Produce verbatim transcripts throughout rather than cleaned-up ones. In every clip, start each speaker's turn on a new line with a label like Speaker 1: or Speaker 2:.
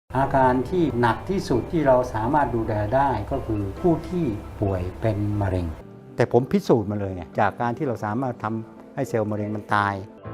Speaker 1: อาการที่หนักที่สุดที่เราสามารถดูแลได้ก็คือผู้ที่ป่วยเป็นมะเร็งแต่ผมพิสูจน์มาเลยเนี่ยจากการที่เราสามารถทำให้เซลล์มะเร็งมันตาย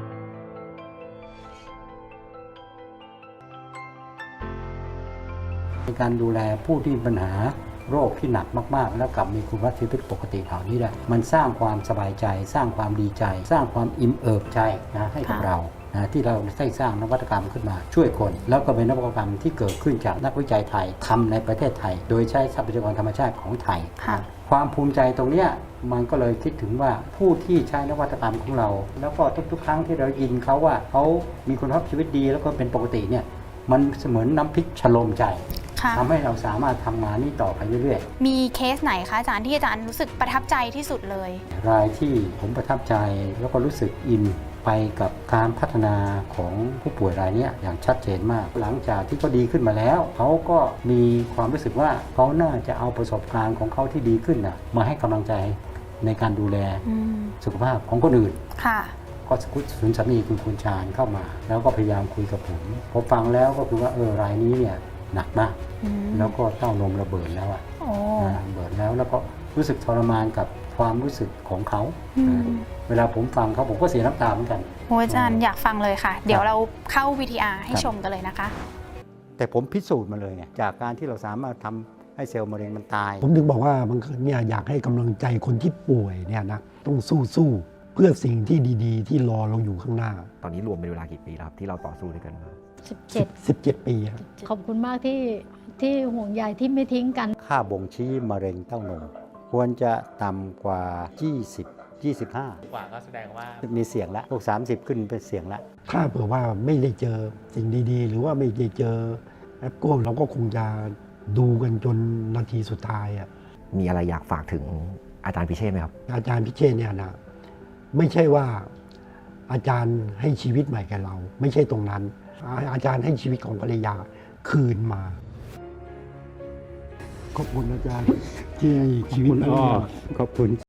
Speaker 1: ในการดูแลผู้ที่มีปัญหาโรคที่หนักมากๆแล้วกลับมีคุณภาพชีวิตปกติเหล่านี้ได้มันสร้างความสบายใจสร้างความดีใจ สร้างความอิ่มเอิบใจนะให้กับเรานะที่เราได้สร้างนวัตกรรมขึ้นมาช่วยคนแล้วก็เป็นนวัตกรรมที่เกิดขึ้นจากนักวิจัยไทยทำในประเทศไทยโดยใช้ทรัพยากรธรรมชาติของไทยความภูมิใจตรงนี้มันก็เลยคิดถึงว่าผู้ที่ใช้นวัตกรรมของเราแล้วก็ทุกๆครั้งที่เรายินเขาว่าเขามีคุณภาพชีวิตดีแล้วก็เป็นปกติเนี่ยมันเสมือนน้ำพริกชโลมใจทำให้เราสามารถทำงานนี้ต่อไปเรื่อย
Speaker 2: ๆมีเคสไหนคะอาจารย์ที่อาจารย์รู้สึกประทับใจที่สุดเลย
Speaker 1: รายที่ผมประทับใจแล้วก็รู้สึกอินไปกับการพัฒนาของผู้ป่วยรายนี้อย่างชัดเจนมากหลังจากที่เขาดีขึ้นมาแล้วเขาก็มีความรู้สึกว่าเขาน่าจะเอาประสบการณ์ของเขาที่ดีขึ้นนะมาให้กำลังใจในการดูแลสุขภาพของคนอื่น
Speaker 2: ค่ะ
Speaker 1: ก็สุนสามีคุณคุณชาญเข้ามาแล้วก็พยายามคุยกับผมผมฟังแล้วก็คือว่าเออรายนี้เนี่ยหนักมากแล้วก็เต้านมระเบิดแล้วอะระเบิดแล้วแล้วก็รู้สึกทรมานกับความรู้สึกของเขาเวลาผมฟังเขาผมก็เสียน้ำตาเหมือนกัน
Speaker 2: โอ้อาจารย์อยากฟังเลยค่ะเดี๋ยวเราเข้า วี ที อาร์ ให้ชมกันเลยนะคะ
Speaker 1: แต่ผมพิสูจน์มาเลยไงจากการที่เราสามารถทำให้เซลล์มะเร็งมันตาย
Speaker 3: ผมถึงบอกว่าบางครั้งเนี่ยอยากให้กำลังใจคนที่ป่วยเนี่ยนะต้องสู้สู้เพื่อสิ่งที่ดีๆที่รอเราอยู่ข้างหน้า
Speaker 4: ตอนนี้รวมเป็นเวลากี่ปีแล้วครับที่เราต่อสู้ด้วยกันมา
Speaker 5: สิบเจ็ด
Speaker 3: สิบเจ็ดปีครับ
Speaker 5: ขอบคุณมากที่ที่ห่วงใยที่ไม่ทิ้งกัน
Speaker 1: ค่าบ่งชี้มะเร็งเต้านมควรจะต่ำกว่ายี่สิบ ยี่สิบห้าก
Speaker 6: ว่าก็แสดงว่า
Speaker 1: มีเสี่ยงแล้วพวกสามสิบขึ้นเป็นเสี่ยงแล้ว
Speaker 3: ถ้าเผื่อว่าไม่ได้เจอสิ่งดีๆหรือว่าไม่ได้เจอแอปโก้เราก็คงจะดูกันจนนาทีสุดท้ายอ่ะ
Speaker 4: มีอะไรอยากฝากถึงอาจารย์พิเชษไหมครับ
Speaker 3: อาจารย์พิเชษเนี่ยนะไม่ใช่ว่าอาจารย์ให้ชีวิตใหม่แก่เราไม่ใช่ตรงนั้นอาจารย์ให้ชีวิตของภรรยาคืนมาขอบคุณอาจารย์ที่ให้ชีวิต
Speaker 1: ขอบคุณ